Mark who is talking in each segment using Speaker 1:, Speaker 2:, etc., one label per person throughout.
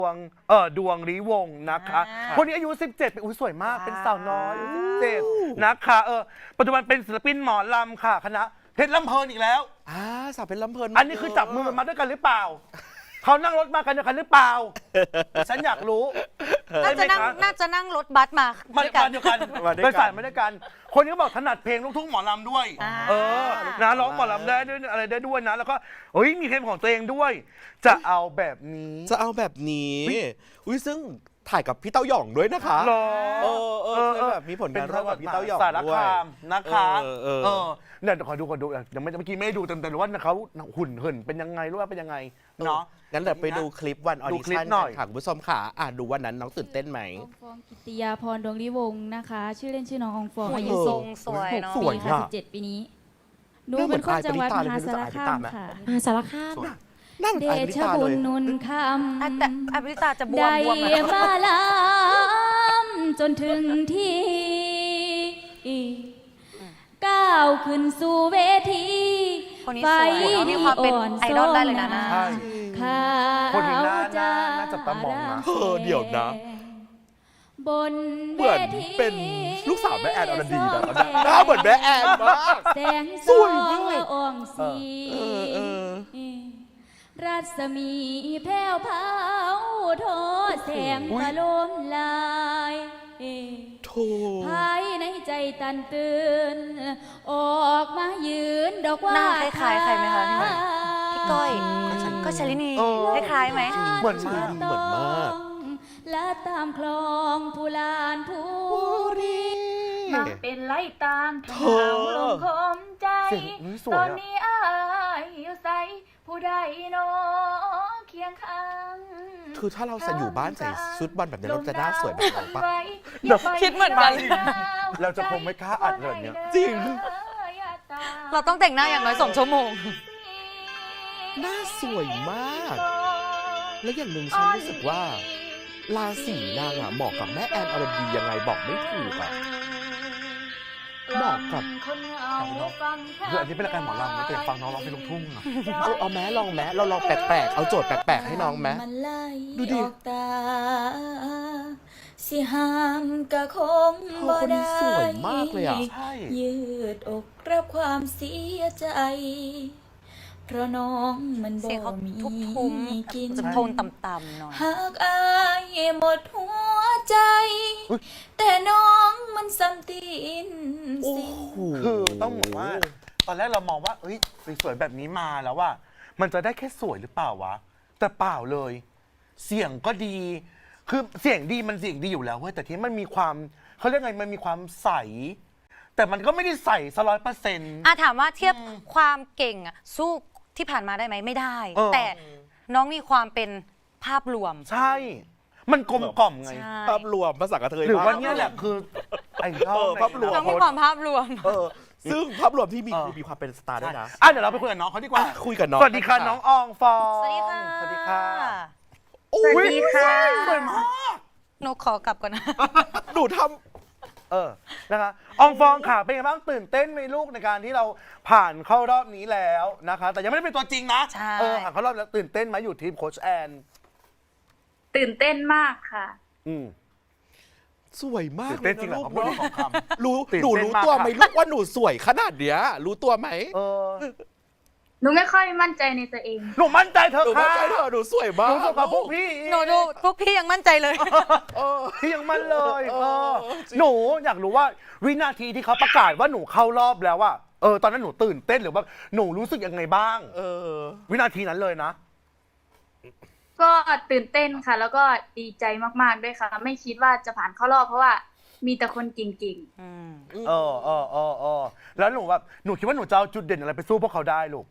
Speaker 1: ดวงฤวงศ์นะคะคนนี้อายุ17เป็นสวยมากเป็นสาวน้อย17นะคะปัจจุบันเป็นศิลปินหมอลำค่ะคณะเพชรลำเพลินอีกแล้ว
Speaker 2: สาวเพชรลำเพลิน
Speaker 1: อันนี้คือจับมือมาด้วยกันหรือเปล่าเขานั่งรถมากันด้วยกันหรือเปล่าฉันอยากรู้
Speaker 3: น่าจะนั่งรถบัสมาด้วยกัน
Speaker 1: โดยสารมาด้วยกันคนนี้ก็บอกถนัดเพลงลูกทุ่งหมอลำด้วยนะร้องหมอลำได้ด้วยอะไรได้ด้วยนะแล้วก็มีเพลงของตัวเองด้วยจะเอาแบบนี้
Speaker 2: อุ้ยซึ่งถ่ายกับพี่เต้าหย่องด้วยนะคะแบบมีผลงานร่วมกับพี่เต้าหย่อง
Speaker 1: สาร
Speaker 2: ด้วย
Speaker 1: คามนะคะเนี่ยขอดูยังไม่เมื่อกี้ไม่ได้ดูแต่ว่าเขาหุ่นเหินเป็นยังไงรู้ว่าเป็นยังไงเนาะ
Speaker 2: งั้นเดี๋ยวไปดูคลิปวันออดิชั่นกันค่ะคุณผู้ชมค่ะดูวันนั้นน้องตื่นเต้นไหม
Speaker 4: องฟองกิติยาพรดวงฤวงศ์นะคะชื่อเล่นชื่อน้องอองฟองอายุ
Speaker 3: สวยเนาะ
Speaker 4: 6 ปีค่ะ17 ปีนี้หนูเป็นคนจังหวัดมหาสารคามค่ะมหาสารคามเดชบุญนุนคำ
Speaker 3: แต่อภิตาจะบวม
Speaker 4: ได้มาลำจนถึงที่ก้าวขึ้นสู่เวที
Speaker 3: ไฟมีความเป็นไอดอลได้เลยนะ
Speaker 1: คนนี้น่าจะตั้งมองนะ
Speaker 2: เดี๋ยวนะ
Speaker 4: บน
Speaker 2: เหมือนเป็นลูกสาวแม่แอนอรดีนะหน้าเหมือนแม่แอนมาก
Speaker 4: สวยมากอ่องสีรัศมีแผ่วเผาโทแสงประโลมลายภายในใจตันตื่นออกมายืนดอกว่า
Speaker 3: หน้าคล้ายๆใครไหมคะพี่ก้อยก็ชลินีคล้ายๆไหม
Speaker 2: เหมือนมาก
Speaker 4: และตามคลองผู้ลานผู้รีมาเป็นไล่ตามทางลงคมใจตอนนี้อายอยู่ใสผู้ใดโนเคียงข้าง
Speaker 2: คือถ้าเราจะอยู่บ้านใส่ชุดบอลแบบนี้เราจะหน้าสวยแบบเราปะ
Speaker 3: คิดเหมือนกัน
Speaker 1: เราจะคงไม่กล้าอัดเลยเนี่ย
Speaker 2: จริง
Speaker 3: เราต้องแต่งหน้าอย่างน้อย2 ชั่วโมง
Speaker 2: หน้าสวยมากและอย่างหนึ่งฉันรู้สึกว่าราศีนางเหมาะกับแม่แอนอรดียังไงบอกไม่ถูกเหมาะกับ
Speaker 1: คืออันนี้เป็นรายการหมอลำนะแต่ฟังน้องร้องเพลงลูกทุ่ง
Speaker 2: เอาแม้ลองเราลองแปลกๆเอาโจทย์แปลกๆให้น้องแม้ดูดิ
Speaker 4: สิห้ามกะคงบ่ได้
Speaker 2: สวยมากเลย
Speaker 4: ยืดอกรับความเสียใจเพราะน้องมันบ่มีกิน
Speaker 3: จะโทนต่ำๆหน่อย
Speaker 4: หากอายหมดหัวใจแต่น้องมันซ้ำตีนสิ
Speaker 1: คือต้องบอกว่าตอนแรกเรามองว่าสวยแบบนี้มาแล้วว่ามันจะได้แค่สวยหรือเปล่าวะแต่เปล่าเลยเสียงก็ดีคือเสียงดีมันเสียงดีอยู่แล้วเว้ยแต่ที่มันมีความเขาเรียกไงมันมีความใสแต่มันก็ไม่ได้ใส100%
Speaker 3: ถามว่าเทียบความเก่งสู้ที่ผ่านมาได้ไหมไม่ได้แต่น้องมีความเป็นภาพรวม
Speaker 1: ใช่มันกลมกล่อมไง
Speaker 2: ภาพรวมภาษากระเทย
Speaker 1: หรือว่านี่แหละคือไอ้
Speaker 2: ภาพรวม
Speaker 3: น้องมีความภาพรวม
Speaker 2: ซึ่งภาพรวมที่มีความเป็นสตาร์ด้วยนะ
Speaker 1: เดี๋ยวเราไปคุยกับน้องเขาดีกว่า
Speaker 2: คุยกับน้อง
Speaker 1: สวัสดีค่ะน้องอองฟอง
Speaker 3: สวัสดีค่ะ
Speaker 1: สวัสดีค่ะ
Speaker 3: สวัสดีค่ะ
Speaker 1: สวยมาก
Speaker 3: หนูขอกลับก่อนนะ
Speaker 2: หนูทำ
Speaker 1: นะคะอองฟองค่ะเป็นไงบ้างตื่นเต้นไหมลูกในการที่เราผ่านเข้ารอบนี้แล้วนะคะแต่ยังไม่ได้เป็นตัวจริงนะผ่านเข้ารอบแล้วตื่นเต้นไหมอยู่ทีมโค้ชแอน
Speaker 5: ตื่นเต้นมากค่ะ
Speaker 2: สวยมาก
Speaker 1: ตื่นเต้นจริงเหรอเขาพูดของคำ
Speaker 2: หนูรู้ตัวไหมลูกว่าหนูสวยขนาดเนี้ยรู้ตัวไหม
Speaker 5: หนูไม่ค่อยมั่นใจในตัวเอง
Speaker 1: หนูมั่นใจเธอ
Speaker 2: ค่ะหนูสวยมาก
Speaker 1: หนูสวยกว่าพวกพี่
Speaker 3: หนูดูพวกพี่ยังมั่นใจเลย
Speaker 1: พี่ยังมั่นเลยหนูอยากรู้ว่าวินาทีที่เขาประกาศว่าหนูเข้ารอบแล้วว่าตอนนั้นหนูตื่นเต้นหรือว่าหนูรู้สึกยังไงบ้างวินาทีนั้นเลยนะ
Speaker 5: ก็ตื่นเต้นค่ะแล้วก็ดีใจมากๆด้วยค่ะไม่คิดว่าจะผ่านเข้ารอบเพราะว่ามีแต่คนเก่ง
Speaker 1: ๆแล้วหนูแบบหนูคิดว่าหนูจะเอาจุดเด่นอะไรไปสู้พวกเขาได้ลูก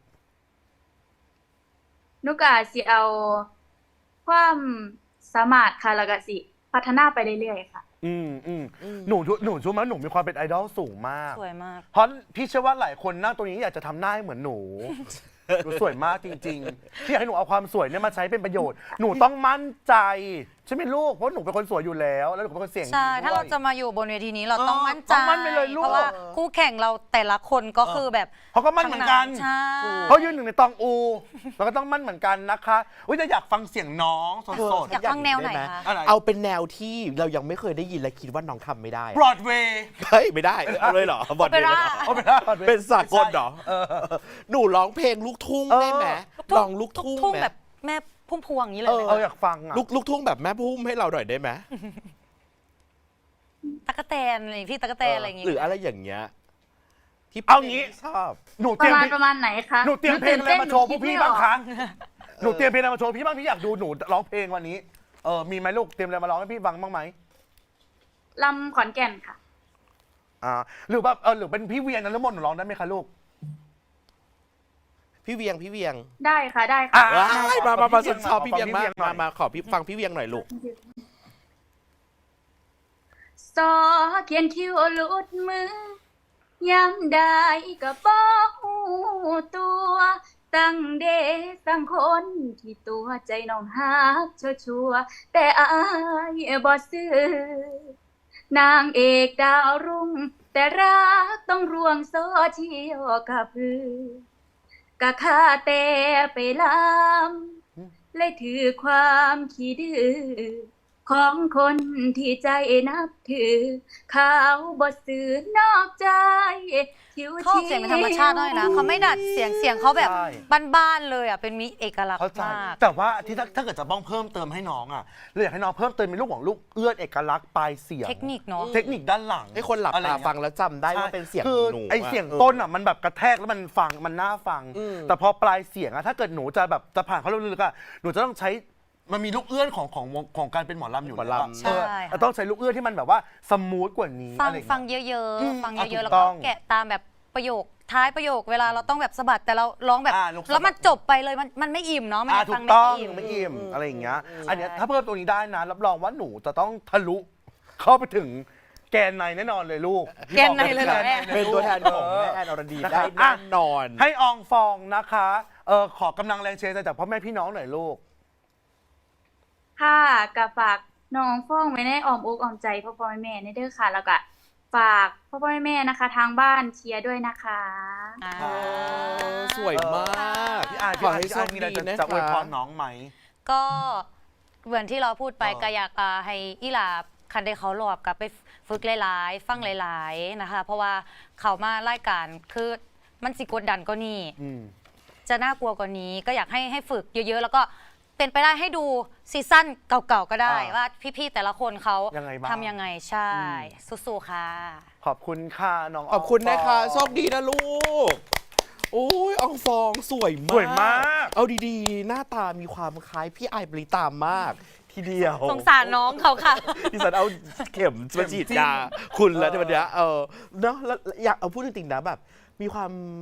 Speaker 5: นุกอาสิเอาความสามารถค่ะแล้วก็สิพัฒนาไปเรื่อยๆค่ะ
Speaker 1: หนูรู้ไหมหนูมีความเป็นไอดอลสูงมาก
Speaker 3: สวยมาก
Speaker 1: เพราะพี่เชื่อว่าหลายคนนั่งตรงนี้อยากจะทำหน้าให้เหมือนหนูสวยมากจริงๆที่อยากให้หนูเอาความสวยเนี่ยมาใช้เป็นประโยชน์หนูต้องมั่นใจใช่ไหมลูกเพราะหนูเป็นคนสวยอยู่แล้วแล้วหนูเป็นคนเสียงดี
Speaker 3: ใช่
Speaker 1: ด้วย
Speaker 3: ถ้าเราจะมาอยู่บนเวทีนี้เราต้องมั่นใจ
Speaker 1: ต้องมั่นไปเลยลูก
Speaker 3: เพราะว่าคู่แข่งเราแต่ละคนก็คือแบบ
Speaker 1: เขาก็มั่นเหมือนกัน
Speaker 3: ใช่
Speaker 1: เขายืนหนึ่งในตองอูเราก็ต้องมั่นเหมือนกันนะคะอุ้ยจะอยากฟังเสียงน้องสด
Speaker 3: อยากฟังแนวไหนคะ
Speaker 1: อะไร
Speaker 2: เอาเป็นแนวที่เรายังไม่เคยได้ยินและคิดว่าน้องทำไม่ได้
Speaker 1: บรอดเวย์
Speaker 2: เฮ้ยไม่ได้เอาเลยเหรอบอดเดย์เลยเหรอ
Speaker 1: เอาไปได้ Broadway
Speaker 2: เป็นสากลเหรอหนูร้องเพลงลูกทุ่งได้ไหมลองลูกทุ่ง
Speaker 3: ทุ่ง
Speaker 2: ไหม
Speaker 3: แบบแม่พุ่มพวงอย่างนี้เลยไหม
Speaker 1: อยากฟังอ่ะ
Speaker 2: ลูกทุ่งแบบแม่พุ่มให้เราหน่อยได้ไหม
Speaker 3: ตั๊กแตนอะไรอย่างงี้พี่ตั๊กแตนอะไรอย่างงี้
Speaker 2: หรืออะไรอย่างเงี้ยที่
Speaker 1: เอางี้
Speaker 2: ชอบ
Speaker 1: หนูเต
Speaker 5: ป
Speaker 1: รีย
Speaker 5: ระ
Speaker 1: ม
Speaker 5: มาณประมาณไหนคะ
Speaker 1: หนูเตรียมเพลงอะไรมาโชว์พวกพี่บ้างคะ
Speaker 5: หนูคิดไม่ออก
Speaker 1: หนูเตรียมเพลงอะไรมาโชว์พี่บ้างพี่อยากดูหนูร้องเพลงวันนี้มีไหมลูกเตรียมอะไรมาร้องให้พี่ฟังบ้างไหม
Speaker 5: ลำขอนแก่นค่ะ
Speaker 1: หรือแบบหรือเป็นพี่เวียนนฤมลหนูร้องได้ไหมคะลูก
Speaker 2: พี่เวียง
Speaker 5: ได้ค่ะได้ค่ะ
Speaker 2: ว้ายมาฉันชอบพี่เวียง
Speaker 1: ขอ
Speaker 2: มา
Speaker 1: ฟัง
Speaker 2: กมาขอพี่ฟังพี่เวียงหน่อยลูก
Speaker 5: ซอเขียนคิ้วหลุดมือ ย้ำได้ก็บอกหูตัว ตั้งเดตั้งคนที่ตัวใจน้องฮักชัวร์ๆแต่อายบ่ซื้อนางเอกดาวรุ่ง แต่รักต้องรวงโซเชียลกับพือกะค่าแต่ไปลำเลยถือความขี้ดื้อของคนที่ใจนับถือ เขาบ่ซื้อนอกใจคิว
Speaker 3: เขาออกเสียงเป็นธรรมชาติด้วยนะเขาไม่ดัดเสียงเขาแบบบ้านๆเลยอ่ะเป็นมีเอกลักษ
Speaker 1: เข้า
Speaker 3: ณ์
Speaker 1: ใจ
Speaker 3: มาก
Speaker 1: แต่ว่าที่ถ้าเกิดจะบ้องเพิ่มเติมให้น้องอ่ะเราอยากให้น้องเพิ่มเติมเป็นลูกของลูกเอื้อนเอกลักษณ์ปลายเสียง
Speaker 3: เทคนิคเนาะ
Speaker 1: เทคนิคด้านหลัง
Speaker 2: ให้คนหลับ
Speaker 1: อะไรอ
Speaker 2: ตา
Speaker 1: ย่างเงี้ย
Speaker 2: ฟังแล้วจำได้ว่าเป็นเสียง
Speaker 1: คือ
Speaker 2: หนู
Speaker 1: ไอเสียงต้นอ่ะมันแบบกระแทกแล้วมันฟังมันน่าฟัง แต่พอปลายเสียงอ่ะถ้าเกิดหนูจะแบบจะผ่านเขาลึกๆอ่ะหนูจะต้องใช้มันมีลูกเอื้อนของการเป็นหมอลำอยู่แล้วอะ
Speaker 3: ใช่ค่ะ
Speaker 1: ต้องใช้ลูกเอื้อนที่มันแบบว่าสมูทกว่านี้
Speaker 3: ฟัง
Speaker 1: อะไรอย่าง
Speaker 3: ฟัง
Speaker 1: เงี้ย
Speaker 3: เยอะ
Speaker 1: อืม
Speaker 3: ๆฟัง
Speaker 1: อ่ะ
Speaker 3: เยอะๆ
Speaker 1: ถู
Speaker 3: แล้ว
Speaker 1: กต้
Speaker 3: ก็
Speaker 1: อง
Speaker 3: แกะตามแบบประโยคท้ายประโยคเวลาเราต้องแบบสะบัดแต่เราร้องแบบ
Speaker 1: ลูกสะบัด
Speaker 3: แล้วมันจบไปเลยมันไม่อิ่มเนาะมัน
Speaker 1: ถู
Speaker 3: ฟั
Speaker 1: ก
Speaker 3: ง
Speaker 1: ต้อง
Speaker 3: ไม่อิ่ม
Speaker 1: ไม่อิ่มอะไรอย่างเงี้ยอันเนี้ยถ้าเพิ่มตัวนี้ได้นะรับรองว่าหนูจะต้องทะลุเข้าไปถึงแกนในแน่นอนเลยลูก
Speaker 3: แกนในเลยเหรอแม่
Speaker 2: เป็นตัวแทนของแม่แอนอรดีได้แน่นอน
Speaker 1: ให้อองฟองนะคะขอกำลังแรงเชียร์จากพ่อแม่พี่น้องหน่อยลูก
Speaker 5: ค่ะกับฝากน้องฟ้องไว้ในอ้อมอกอ้อมใจพ่อพ่อแม่ในเด้อค่ะ แล้วก็ฝากพ่อพ่อแม่นะคะ ทางบ้านเชียร์ด้วยนะคะ
Speaker 3: อ่า
Speaker 2: สวยมาก
Speaker 1: พี่อาร์
Speaker 2: ขอให้
Speaker 1: พี่
Speaker 2: โช
Speaker 1: อาร์
Speaker 2: ค
Speaker 1: มีอะไร
Speaker 2: ดีนะ
Speaker 1: จะอวยพ
Speaker 2: คะ
Speaker 1: รน้องไหม
Speaker 3: ก็เหมือนที่เราพูดไป
Speaker 1: อ๋อ
Speaker 3: ก็อยากให้อีหลาคันได้เขาหลอบกลับไปฝึกหลายๆ ฟังหลายๆนะคะ เพราะว่าเขามารายการคือมันสิกดดันก็นี่ จะน่ากลัวกว่านี้ก็อยากให้ฝึกเยอะๆ แล้วก็เป็นไปได้ให้ดูซีซั่นเก่าๆ ก็ได้ว่าพี่ๆ แต่ละคนเขา
Speaker 1: ยังไงบ้าง
Speaker 3: ทำยังไงใช่ สู้ๆ ค่ะ
Speaker 1: ขอบคุณค่ะน้อง
Speaker 2: ขอบคุณนะคะ
Speaker 1: ฟอง
Speaker 2: โชคดีนะลูก โอ้ยอองฟองสวยมาก
Speaker 1: สวยมาก
Speaker 2: เอาดีๆ หน้าตามีความคล้ายพี่ไอายปริตามมาก ทีเดียว
Speaker 3: สงสารน้องเขาค่ะ
Speaker 2: ดิฉันเอาเข็มมาฉีดยาคุณแล้วในวันเนี้ยเนาะแล้วอยากเอาพูดจริงๆนะแบบ มีความ